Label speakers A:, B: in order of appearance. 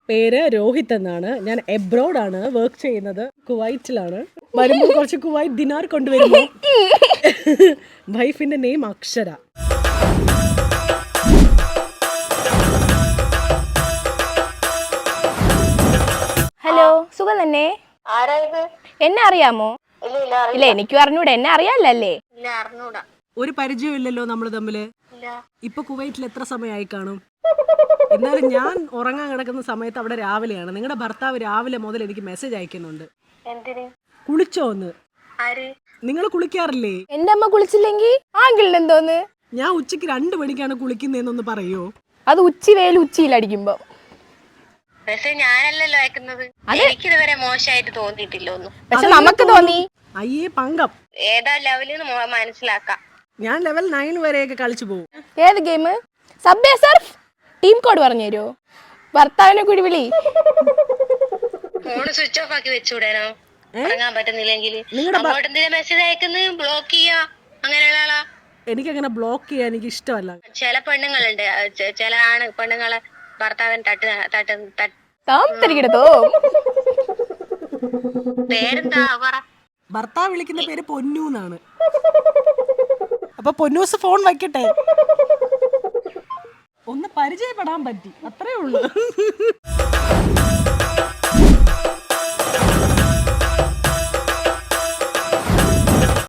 A: പേര് രോഹിത് എന്നാണ്. ഞാൻ എബ്രോഡാണ് വർക്ക് ചെയ്യുന്നത്. കുവൈറ്റിലാണ്. വരുമ്പോൾ കുറച്ച് കുവൈറ്റ് ദിനാർ കൊണ്ടുവരുമോ? വൈഫിന്റെ നെയിം അക്ഷര.
B: ഹലോ, സുഖം തന്നെ? എന്നെ അറിയാമോ? ഇല്ല, എനിക്കും അറിഞ്ഞൂടാ. എന്നെ അറിയാല്ലേ?
A: ഒരു പരിചയം ഇല്ലല്ലോ നമ്മള് തമ്മില്. ഇപ്പൊ കുവൈറ്റിൽ എത്ര സമയമായി കാണും? എന്നാലും ഞാൻ ഉറങ്ങാൻ കിടക്കുന്ന സമയത്ത് അവിടെ രാവിലെയാണ്. നിങ്ങളുടെ ഭർത്താവ് രാവിലെ മുതൽ എനിക്ക് മെസ്സേജ് അയക്കുന്നുണ്ട്. കുളിച്ചോന്ന്. നിങ്ങൾ കുളിക്കാറില്ലേ?
B: എന്റെ അമ്മ കുളിച്ചില്ലെങ്കിൽ ആങ്കിളിന് എന്തോന്ന്?
A: ഞാൻ ഉച്ചക്ക് 2 മണിക്കാണ് കുളിക്കുന്നതെന്നൊന്ന് പറയോ?
B: അത് ഉച്ചി വെയിൽ ഉച്ചിയിലടിക്കുമ്പോ.
C: ഞാനല്ലല്ലോ അയക്കുന്നത്. എനിക്കിതുവരെ മോശമായിട്ട് തോന്നിയിട്ടില്ല ഒന്നും.
B: പക്ഷെ നമുക്ക് തോന്നി.
A: അയ്യേ പങ്കം.
C: ഏതാ ലെവലിൽ മനസ്സിലാക്കാം.
A: ഞാൻ ലെവൽ 9 വരെയൊക്കെ കളിച്ചു പോകും.
B: ഏത് game? Subway surf. Team code പറഞ്ഞു തരുമോ? ഭർത്താവിനെ കൂടി വിളി.
C: ഫോണ് സ്വിച്ച് ഓഫ് ആക്കി വെച്ചുവിടാനോ? ഇറങ്ങാൻ പറ്റുന്നില്ലെങ്കിൽ അങ്ങോട്ട് എന്തിനാ മെസ്സേജ് അയക്കുന്നത്? ബ്ലോക്ക് ചെയ്യാ. അങ്ങനെയുള്ള ആളാ?
A: എനിക്കങ്ങനെ ബ്ലോക്ക് ചെയ്യാൻ എനിക്ക് ഇഷ്ടമല്ല.
C: ചില പെണ്ണുങ്ങളുണ്ട്, ചില പെണ്ണുങ്ങളെ ഭർത്താവിന് പേരെന്താ പറ?
A: ഭർത്താവ് വിളിക്കുന്ന പേര് പൊന്നു എന്നാണ്. അപ്പൊ പൊന്നൂസ് ഫോൺ വയ്ക്കട്ടെ. ഒന്ന് പരിചയപ്പെടാൻ പറ്റി, അത്രേ ഉള്ളൂ.